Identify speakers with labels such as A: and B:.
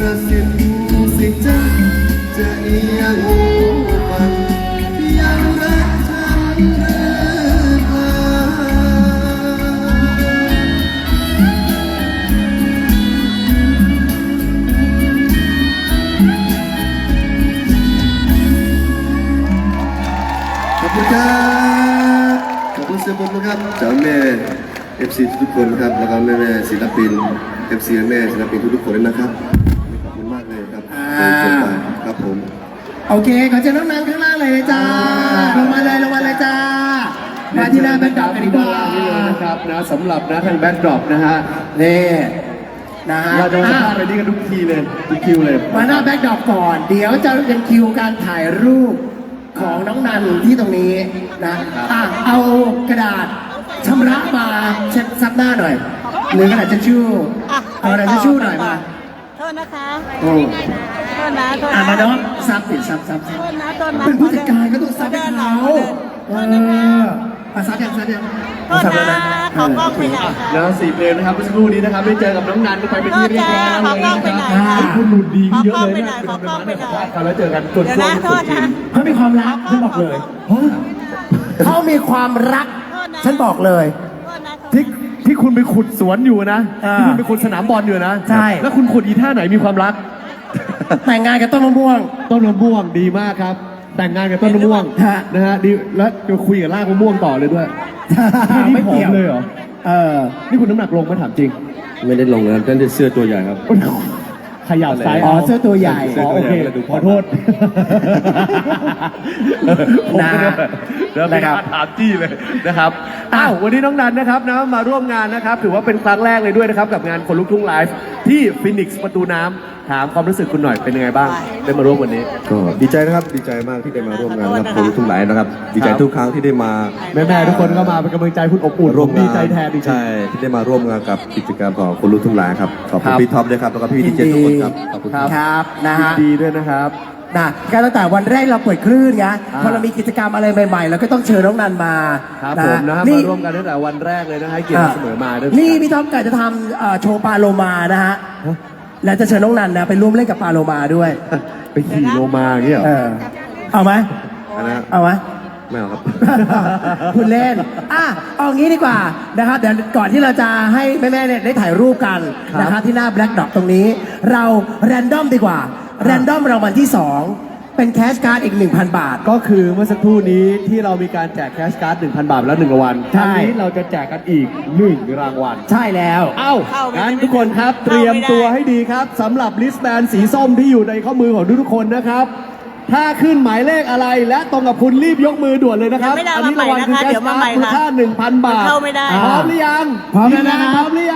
A: ระสิทธิ์สิจังจะยังฟังยังรักฉันหรือเปล่าขอบคุณครับขอบคุณเสียบุญนะครับเจ้าแม่ FC ทุกคนครับแล้วก็แม่ศิลปิน FC แม่ศิลปินทุกคนเลยนะครับขอบคุณมากเลยครับครับผม
B: โอเคขอเชิญน้องนันข้างล่างเลยจ้าลงมาเลยจ้ามาที่หน้าแบ็คดรอปกันดีกว่า
C: นี่เลยนะครับนะสำหรับนะทางแบ็คดรอปนะฮะ
B: นี่นะฮะ
C: เราจะมาสัมภาษณ์อะไรนี่กันทุกทีเลยทุกคิวเลย
B: มาหน้าแบ็คดรอปก่อนเดี๋ยวจะเป็นคิวการถ่ายรูปของน้องนันที่ตรงนี้นะเอากระดาษชำระมาเช็ดซับหน้าหน่อยหรือกระดาษทิชชู่เอากระดาษทิชชู่หน่อยมา
D: โทษนะคะ
B: โอ้
D: โทษนะ
B: มาเนาะซับติดซับ
D: โทษนะ
B: เป็นผู้จัดการก็ต้องซับให้เขาซับยัง
D: โทษนะขอกล้องไปไหนคะ
C: แล้ว4 เพลงนะครับเมื่อสักครู่นี้นะครับได้เจอกับน้องนันไปเป็นที่เรียบร้อยแล้วเลยนะครับคุณหลุดดีเยอะเลยนะเป็นประมาณนั้นครับแล้วเจอกันตัวช่วงสุดจริง
B: เขามีความรักฉันบอกเลยเขามีความรักฉันบอกเลย
C: ที่คุณไปขุดสวนอยู่นะที่คุณไปขุดสนามบอลอยู่นะ
B: ใช่
C: แล้วคุณขุดอีท่าไหนมีความรัก
B: แต่งงานกับต้นมะม่วง
C: ดีมากครับแต่งงานกับต้นมะม่วงนะฮะดีแล้วจะคุยกับรากมะม่วงต่อเลยด้วย
B: ไม่เกี่ยว
C: เลยเหรอนี่คุณน้ำหนักลงมาถามจริง
A: ไม่ได้ลงนะนั่นเสื้อตัวใหญ่ครับ
C: ขยับซ้าย
B: เสื้อตัวใหญ่
C: โอเคขอโทษนะครับถามจี้เลยนะครับวันนี้น้องนันนะครับนะมาร่วมงานนะครับถือว่าเป็นครั้งแรกเลยด้วยนะครับกับงานคนลุกทุ่งไลฟ์ที่ฟินิกซ์ประตูน้ำถามความรู้สึกคุณหน่อยเป็นยังไงบ้างได้มาร่วมวันนี้
A: ก็ดีใจนะครับดีใจมากที่ได้มาร่วมงานกับคนลุกทุ่งไลฟ์นะครับดีใจทุกครั้งที่ได้มา
C: แม่ทุกคนก็มาเป็นกำลังใจคุณอบอุ่น
A: ร่วม
C: ดีใจแทน
A: ใช่ที่ได้มาร่วมงานกับกิจกรรมของคนลุกทุ่งไลฟ์ครับขอบคุณพี่ท็อปด้วยครับแล้วก็พี่ดีเจทุกคนครับขอบคุณ
B: ครับนะฮะ
C: ดีด้วยนะครับ
B: การตั้งแต่วันแรกเราเปิดคลื่นไงพอเรามีกิจกรรมอะไรใหม่ๆเราก็ต้องเชิญน้องนันมา
C: ครับผมนะครับมาร่วมกันตั้งแต่วันแรกเลยนะฮะเกียรติเสมอมาด้วย
B: นี่พี่ท็อปกะจะทำโชว์ปลาโลมานะฮะแล้วจะเชิญน้องนันนะไปร่วมเล่นกับปลาโลมาด้วย
C: ไปขี่โลมาอย่างเงี้ย
B: เอาไหมเอาไหม
A: ไม่เอาครับ
B: คุณเล่นเอางี้ดีกว่านะครับเดี๋ยวก่อนที่เราจะให้แม่ๆเนี่ยได้ถ่ายรูปกันนะครับที่หน้าแบล็คดอทตรงนี้เราแรนดอมดีกว่าแรนดอมรางวัลที่2เป็นแคชการ์ดอีก 1,000 บาท
C: ก็คือเมื่อสักครู่นี้ที่เรามีการแจกแคชการ์ด 1,000 บาทแล้ว1รางวัล
B: ใช่
C: นี้เราจะแจกกันอีก1รางวัล
B: ใช่แล้ว
C: งั้นทุกคนครับเตรียมตัวให้ดีครับสำหรับลิสต์แบนสีส้มที่อยู่ในข้อมือของทุกคนนะครับถ้าขึ้นหมายเลขอะไรและตรงกับคุณรีบยกมือด่วนเลยนะครับ
D: อันนี้รางวัลคือแคชการ์ดมูลค่า
C: 1,000 บาทพร้อมหรือยัง
B: พร้อมแล้วนะครับ